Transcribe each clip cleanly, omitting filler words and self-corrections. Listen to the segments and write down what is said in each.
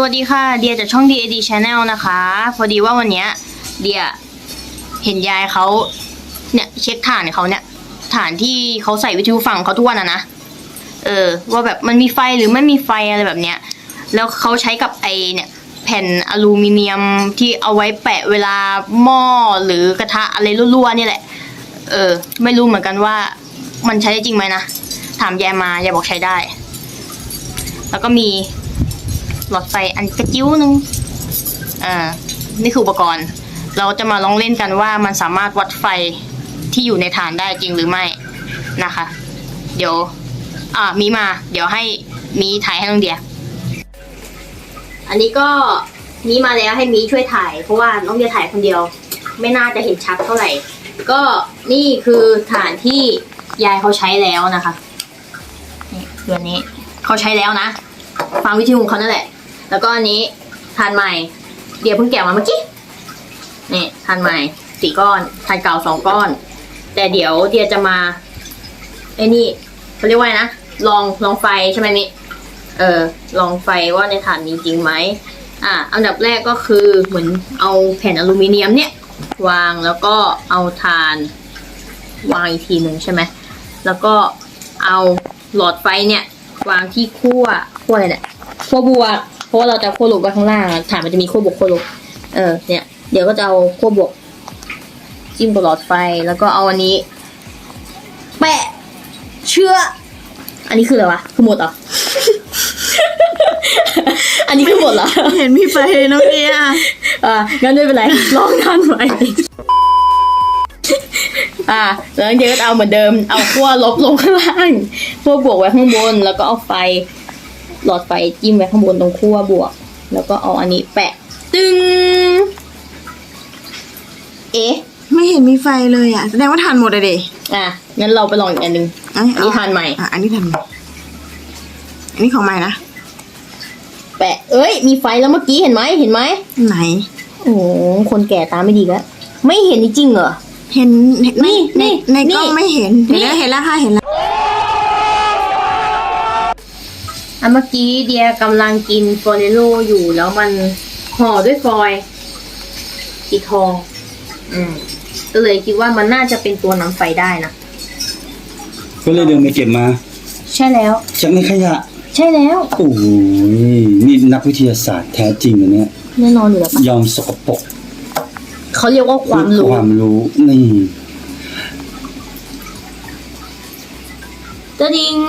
วัสดีค่ะเดียจากช่อง DAD Channel นะคะพอดีว่าวันเนี้ยเดียเห็นยายเขาเนี่ยเช็คฐานเขาเนี่ยฐานที่เขาใส่วิทยุฟังเขาทุกวันนะว่าแบบมันมีไฟหรือไม่มีไฟอะไรแบบเนี้ยแล้วเขาใช้กับไอเนี่ยแผ่นอลูมิเนียมที่เอาไว้แปะเวลาหม้อหรือกระทะอะไรรั่วๆนี่แหละไม่รู้เหมือนกันว่ามันใช้ได้จริงไหมนะถามยายมายายบอกใช้ได้แล้วก็มีหลอดไฟอันกระจิ้วนึงนี่คืออุปกรณ์เราจะมาลองเล่นกันว่ามันสามารถวัดไฟที่อยู่ในฐานได้จริงหรือไม่นะคะเดี๋ยวมีมาเดี๋ยวให้มีถ่ายให้น้องเดียอันนี้ก็มีมาแล้วให้มีช่วยถ่ายเพราะว่าน้องเดียถ่ายคนเดียวไม่น่าจะเห็นชัดเท่าไหร่ก็นี่คือฐานที่ยายเขาใช้แล้วนะคะนี่คืออันนี้เขาใช้แล้วนะฟังวิทยุของเขานั่นแหละแล้วก็อันนี้ฐานใหม่เดี๋ยวเพิ่งแกะมาเมื่อกี้นี่ฐานใหม่4 ก้อนฐานเก่า2 ก้อนแต่เดี๋ยวเดียจะมาไอ้นี่เขาเรียกว่านะลองไฟใช่ไหมมิลองไฟว่าในฐานนี้จริงไหมอันดับแรกก็คือเหมือนเอาแผ่นอลูมิเนียมเนี่ยวางแล้วก็เอาถ่านวางอีกทีหนึ่งใช่ไหมแล้วก็เอาหลอดไฟเนี่ยวางที่ขั้วอะไรเนี่ยขั้วบวกเพราะว่าเราจะขั้วลบไว้ข้างล่างถ่านมันจะมีขั้วบวกขั้วลบเนี่ยเดี๋ยวก็จะเอาขั้วบวกจิ้มกับหลอดไฟแล้วก็เอาอันนี้แปะเชื่ออันนี้คืออะไรวะคือหมดเหรอ อันนี้คือหมดเหรอเห็นมีไฟน้องเดียงั้นไม่เป็นไรลองทันไว้แล้วเดี๋ยวก็เอาเหมือนเดิมเอาขั้วลบลงข้างล่างขั้วบวกไว้ข้างบนแล้วก็เอาไฟหลอดไฟจิ้มไว้ข้างบนตรงขั้วบวกแล้วก็เอาอันนี้แปะตึ้งไม่เห็นมีไฟเลยแสดงว่าทานหมดเลยดิงั้นเราไปลองอีกอันนึงอันนี้ทานใหม่อันนี้ทานอันนี้ของใหม่นะแปะมีไฟแล้วเมื่อกี้เห็นไหมไหนโอ้คนแก่ตาไม่ดีแล้วไม่เห็นจริงเหรอเห็นนี่ในกล้องไม่เห็นเห็นแล้วค่ะเห็นแล้วเมื่อกี้เดียกำลังกินฟอเรโลอยู่แล้วมันห่อด้วยฟอยล์สีทองก็เลยคิดว่ามันน่าจะเป็นตัวนำไฟได้นะก็เลยเดินไปเก็บมาใช่แล้วจากในขยะใช่แล้วโอ้ยนี่นักวิทยาศาสตร์แท้จริงอันเนี้ยแน่นอนอยู่แล้วปะยอมสกปรกเขาเรียกว่าความรู้นี่ตะดิง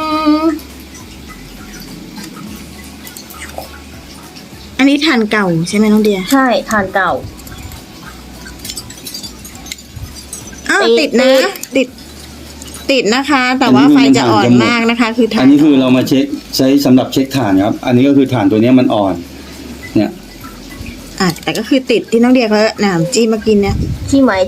อันนี้ทานเก่าใช่ไหมน้องเดียใช่ทานเก่าติดนะติดนะคะแต่ว่าไฟจะอ่อนมากนะคะคืออันนี้คือเรามาเช็คใช้สำหรับเช็คถ่านครับอันนี้ก็คือถ่านตัวนี้มันอ่อนเนี่ยแต่ก็คือติดที่น้องเดียเขาหนามจี้มากินเนี่ยจี้ไหม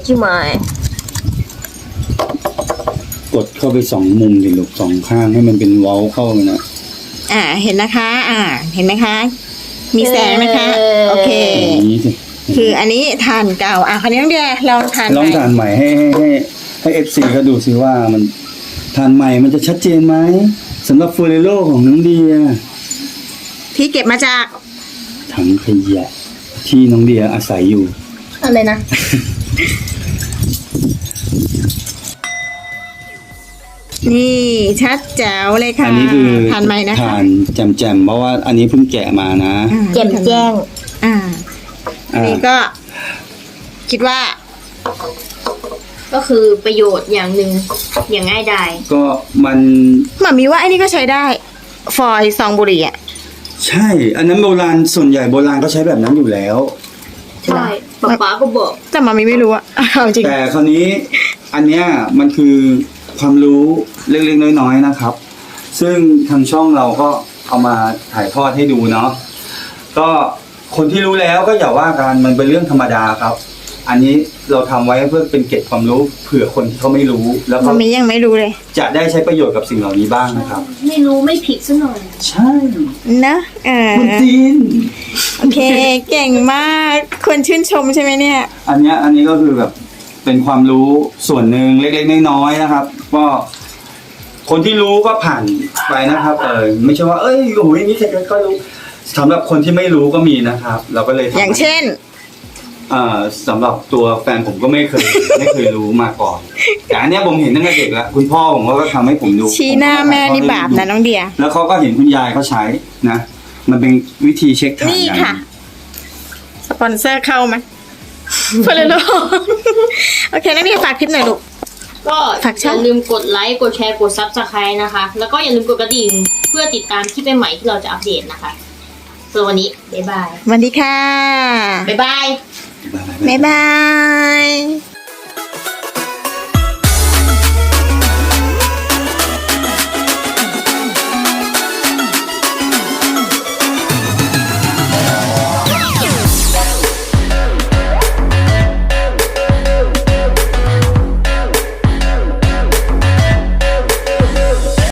กดเข้าไป2 มุมดิลูก2 ข้างให้มันเป็นเว้าเข้าไปนะเห็นนะคะเห็นไหมคะมีแสงนะคะโอเคคืออันนี้ทานเก่าคราวนี้น้องเดียลองทานใหม่ให้FC เขาดูซิว่ามันทานใหม่มันจะชัดเจนไหมสำหรับฟูเรโลของน้องเดียที่เก็บมาจากถังขยะที่น้องเดียอาศัยอยู่อะไรนะนี่ชัดแจ๋วเลยค่ะอันนี้คือทานใหม่นะคะทานแจ่มเพราะว่าอันนี้เพิ่งแกะมานะแจ่มแจ้งอันนี้ก็คิดว่าก็คือประโยชน์อย่างหนึ่งอย่างง่ายดายก็มันหมามีว่าไอ้นี่ก็ใช้ได้ฟอยล์ซองบุหรี่ใช่อันนั้นโบราณส่วนใหญ่โบราณก็ใช้แบบนั้นอยู่แล้วใช่ป๊าก็บอกแต่หมามีไม่รู้จริงแต่คราวนี้อันเนี้ยมันคือความรู้เล็กๆน้อยๆนะครับซึ่งทางช่องเราก็เอามาถ่ายทอดให้ดูเนาะก็คนที่รู้แล้วก็อย่าว่ากันมันเป็นเรื่องธรรมดาครับอันนี้เราทำไว้เพื่อเป็นเกร็ดความรู้เผื่อคนที่เขาไม่รู้แล้วก็มียังไม่รู้เลยจะได้ใช้ประโยชน์กับสิ่งเหล่านี้บ้างนะครับไม่รู้ไม่ผิดซะหน่อยใช่นะคุณจีนโอเคเก่งมากคนชื่นชมใช่ไหมเนี่ยอันนี้ก็คือแบบเป็นความรู้ส่วนหนึ่งเล็กๆน้อยๆนะครับก็คนที่รู้ก็ผ่านไปนะครับไม่ใช่ว่าโอ้ยนี่ใครก็รู้สำหรับคนที่ไม่รู้ก็มีนะครับ เราก็เลยทำอย่างเช่นสำหรับตัวแฟนผมก็ไม่เคย ไม่เคยรู้มาก่อนแต่อันเนี้ยผมเห็นตั้งแต่เด็กแล้วคุณพ่อผมก็ทำให้ผมดูชี้หน้าแม่นี่บาปนะน้องเดียแล้วเขาก็เห็นคุณยายเขาใช้นะ มันเป็นวิธีเช็คถ่านนี่อย่างค่ะ สปอนเซอร์เข้าไหมเพื่อนลูกโอเคน้องเดียฝากคลิปหน่อยลูกก็ฝากช่อองย่าลืมกดไลค์กดแชร์กด Subscribe นะคะ แล้วก็อย่าลืมกดกระดิ่งเพื่อติดตามคลิปใหม่ๆที่เราจะอัปเดตนะคะส่วนวันนี้บ๊ายบายสวัสดีค่ะบ๊ายบายบ๊ายบาย